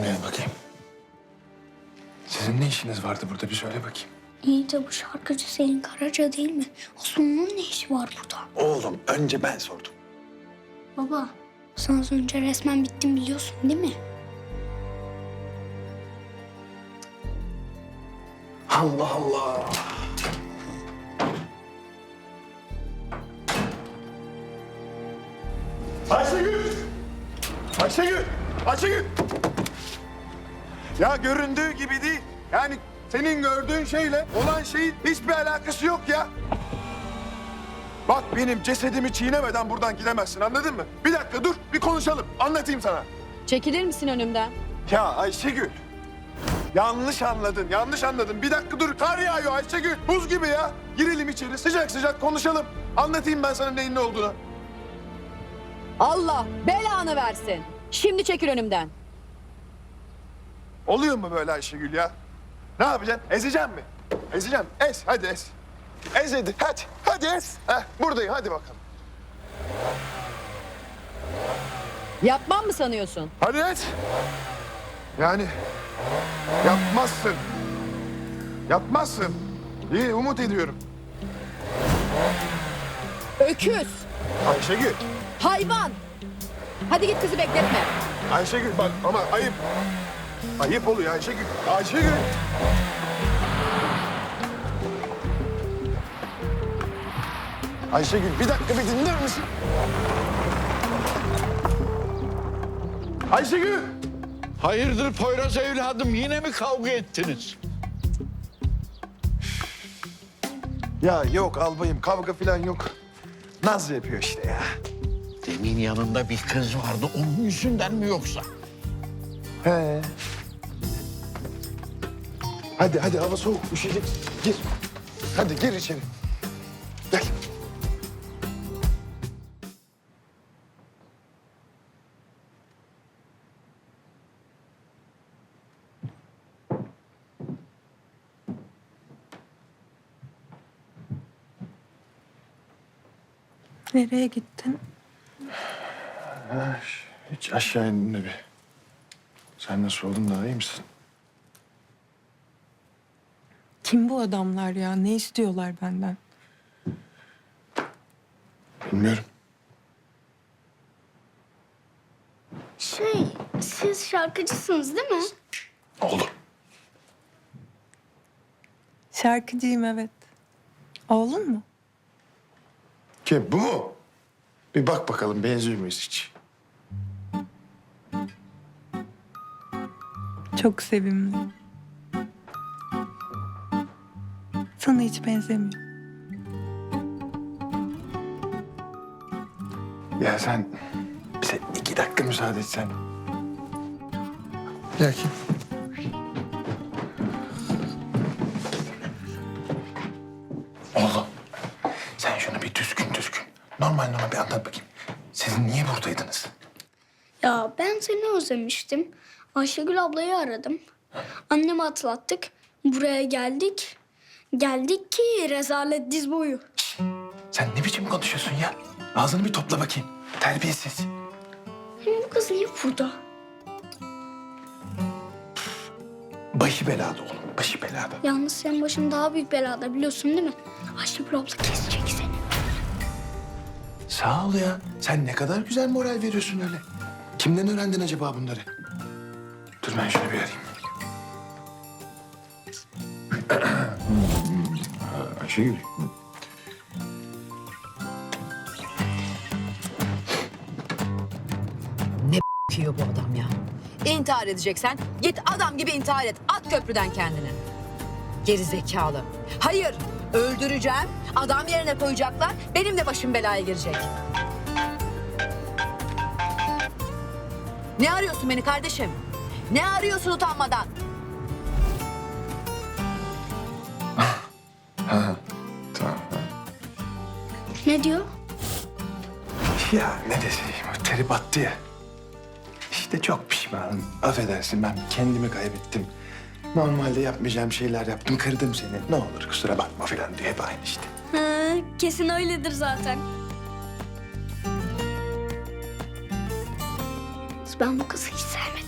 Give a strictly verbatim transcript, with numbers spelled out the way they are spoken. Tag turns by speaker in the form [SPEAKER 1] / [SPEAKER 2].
[SPEAKER 1] Gel bakayım. Sizin ne işiniz vardı burada bir söyle bakayım.
[SPEAKER 2] İyi de bu şarkıcı Selin Karaca değil mi? Osman'ın ne işi var burada?
[SPEAKER 1] Oğlum önce ben sordum.
[SPEAKER 2] Baba, sen az önce resmen bittim biliyorsun değil mi?
[SPEAKER 1] Allah Allah.
[SPEAKER 3] Ayşegül! Ayşegül! Ayşegül! Ya göründüğü gibi değil. Yani senin gördüğün şeyle olan şeyin hiçbir alakası yok ya. Bak benim cesedimi çiğnemeden buradan gidemezsin, anladın mı? Bir dakika dur, bir konuşalım. Anlatayım sana.
[SPEAKER 4] Çekilir misin önümden?
[SPEAKER 3] Ya Ayşegül. Yanlış anladın, yanlış anladın. Bir dakika dur, kar yağıyor Ayşegül. Buz gibi ya. Girelim içeri, sıcak sıcak konuşalım. Anlatayım ben sana neyin ne olduğunu.
[SPEAKER 4] Allah belanı versin. Şimdi çekil önümden.
[SPEAKER 3] Oluyor mu böyle Ayşegül ya? Ne yapacaksın? Ezeceğim mi? Ezeceğim. Ez, hadi ez. Ez hadi, hadi. Hadi ez. Heh, buradayım, hadi bakalım.
[SPEAKER 4] Yapmam mı sanıyorsun?
[SPEAKER 3] Hadi ez. Yani yapmazsın. Yapmazsın. İyi, umut ediyorum.
[SPEAKER 4] Öküz,
[SPEAKER 3] Ayşegül,
[SPEAKER 4] hayvan. Hadi git kızı bekletme.
[SPEAKER 3] Ayşegül bak ama ayıp. Ayıp oluyor Ayşegül. Ayşegül. Ayşegül bir dakika bir dinler misin? Ayşegül.
[SPEAKER 5] Hayırdır Poyraz evladım, yine mi kavga ettiniz?
[SPEAKER 3] Ya yok albayım kavga falan yok. Naz yapıyor işte ya.
[SPEAKER 5] Demin yanında bir kız vardı, onun yüzünden mi yoksa?
[SPEAKER 3] He. Hadi hadi hava soğuk üşüyecek. Gir. Hadi gir içeri. Gel.
[SPEAKER 6] Nereye gittin?
[SPEAKER 1] Ha, hiç aşağı indim de bir. Sen nasıl oldun, daha iyi misin?
[SPEAKER 6] Kim bu adamlar ya? Ne istiyorlar benden?
[SPEAKER 1] Bilmiyorum.
[SPEAKER 2] Şey, siz şarkıcısınız değil mi?
[SPEAKER 1] Oğlum.
[SPEAKER 6] Şarkıcıyım evet. Oğlun mu?
[SPEAKER 1] Kim, bu mu? Bir bak bakalım benziyor muyuz hiç?
[SPEAKER 6] Çok sevimli. Sana hiç benzemiyor.
[SPEAKER 1] Ya sen bize iki dakika müsaade etsen. Gel kim? Oğlum sen şunu bir düzgün düzgün normal normal bir anlat bakayım. Siz niye buradaydınız?
[SPEAKER 2] Ya ben seni özlemiştim. Ayşegül ablayı aradım. Annemi atlattık. Buraya geldik. Geldik ki rezalet diz boyu.
[SPEAKER 1] Sen ne biçim konuşuyorsun ya? Ağzını bir topla bakayım. Terbiyesiz.
[SPEAKER 2] Hem bu kız niye burada?
[SPEAKER 1] Başı belada oğlum, başı belada.
[SPEAKER 2] Yalnız senin başın daha büyük belada biliyorsun değil mi? Ayşegül abla kesecek seni.
[SPEAKER 1] Sağ ol ya. Sen ne kadar güzel moral veriyorsun öyle. Kimden öğrendin acaba bunları? Dur ben şunu bir arayayım. Ayşegül.
[SPEAKER 4] Diyor bu adam ya. İntihar edeceksen git adam gibi intihar et. At köprüden kendini. Geri zekalı. Hayır, öldüreceğim. Adam yerine koyacaklar. Benim de başım belaya girecek. Ne arıyorsun beni kardeşim? Ne arıyorsun utanmadan?
[SPEAKER 1] Tamam.
[SPEAKER 2] Ne diyor?
[SPEAKER 1] Ya ne deseyim, o teri battı ya. İşte çok pişmanım. Affedersin, ben kendimi kaybettim. Normalde yapmayacağım şeyler yaptım, kırdım seni. Ne olur kusura bakma falan diye hep aynı işte.
[SPEAKER 2] Ha, kesin öyledir zaten. Ben bu kızı hiç sevmedim.